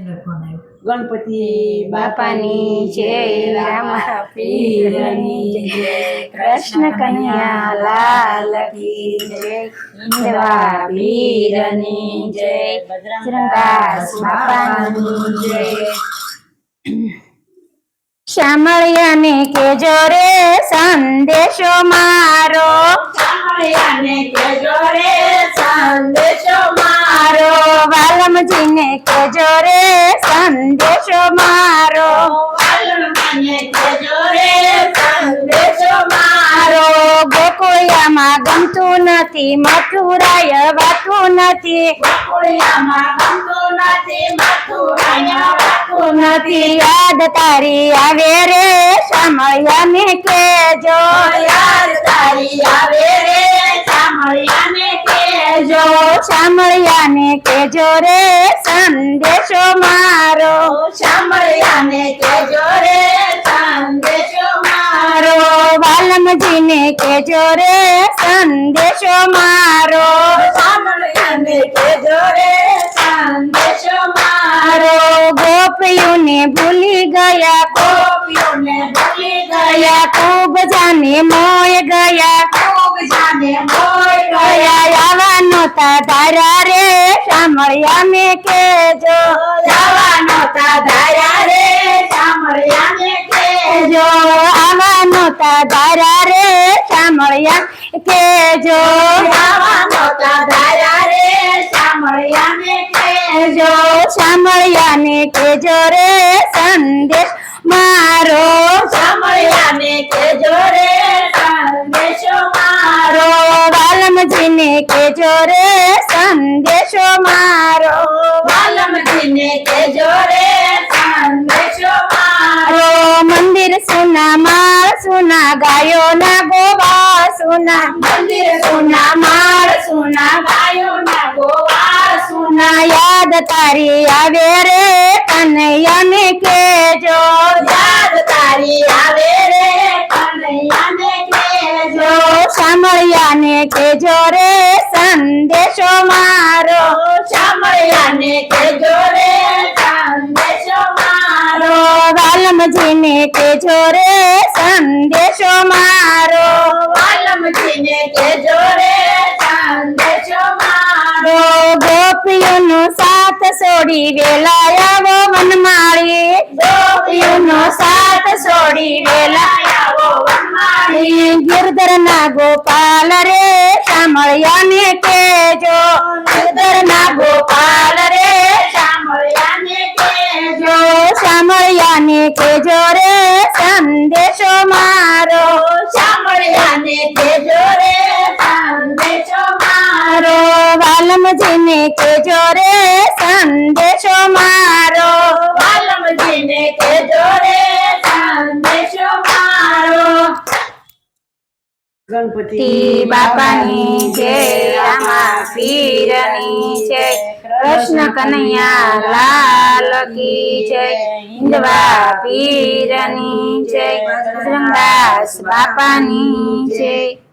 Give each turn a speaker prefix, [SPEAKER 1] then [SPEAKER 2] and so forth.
[SPEAKER 1] गणपति बापानी जय, रामा पीरनी जय, कृष्ण कन्हैया लाल की जय, हिंदवा पीरनी जय, बजरंगदास बापानी जय। शामळिया ने केजो रे संदेशो मारो, शामळिया ने केजो रे संदेशो मारो, वालमजी ने केजो रे संदेशो मारो, वालमजी ने केजो रे संदेशो मारो। गोकुळियामां गमતું નથી, મથુરાય વાતું નથી, ગોકુળિયામાં ગમતું નથી, મથુરાય વાતું નથી। યાદ તારી આવે રે શામળિયાને કહેજો, યાદ તારી આવે રે શામળિયાને કહેજો, શામળિયાને કહેજો રે સંદેશો મારો, શામળિયાને કહેજો રે સંદેશો મારો, વાલમજીને કહેજો રે સંદેશો મારો, શામળિયાને કહેજો રે સંદેશો મારો। गोपियों भूली गया, गोपियों ने भूली गया, खूब जाने मोय गया, खूब जाने मोय गया। यावानो ता धारा रे शामळिया में केजो, यावानो ता धारा रे शामळिया में केजो, आवानो ता धारा रे शामळिया केजो, यावानो ता धारा रे शामळिया में केजो, शामळियाने केजो रे संदेश मारो, शामळियाने केजो रे संदेशो मारो, वालमजीने केजो रे संदेशो मारो, वालमजीने केजो रे संदेशो मारो। मंदिर सुना माळ सुना, गायो ना गोवा सुना, मंदिर सुना माळ सुना, गायो ना गोवा सुना। याद तारी आवे रे कन्हैयाने केजो, याद तारी आवे रे कन्हैयाने केजो, शामळियाने केजो रे संदेशो मारो, शामळियाने केजो रे संदेशो मारो, वालमजीने केजो रे संदेशो मारो, वालमजीने केजो रे संदेशो मारो। गोपियों साथ सोड़ी वेलाया वो वनमाली, गोपियों साथ सोड़ी वेलाया वो वनमाली। गिरधर ना गोपाल रे शामळियाने केजो, गिरधर ना गोपाल रे शामळियाने केजो, शामळियाने केजो रे संदेशो मारो, शामळियाने केजो रे संदेशो मारो, वालमजीने केजो रे संदेशो मारो, वालमजीने केजो रे संदेशो मारो। गणपति बापानी जय, रामा पीरनी जय, कृष्ण कन्हैया लाल की जय, हिंदवा पीरनी जय, बजरंगदास बापानी जय।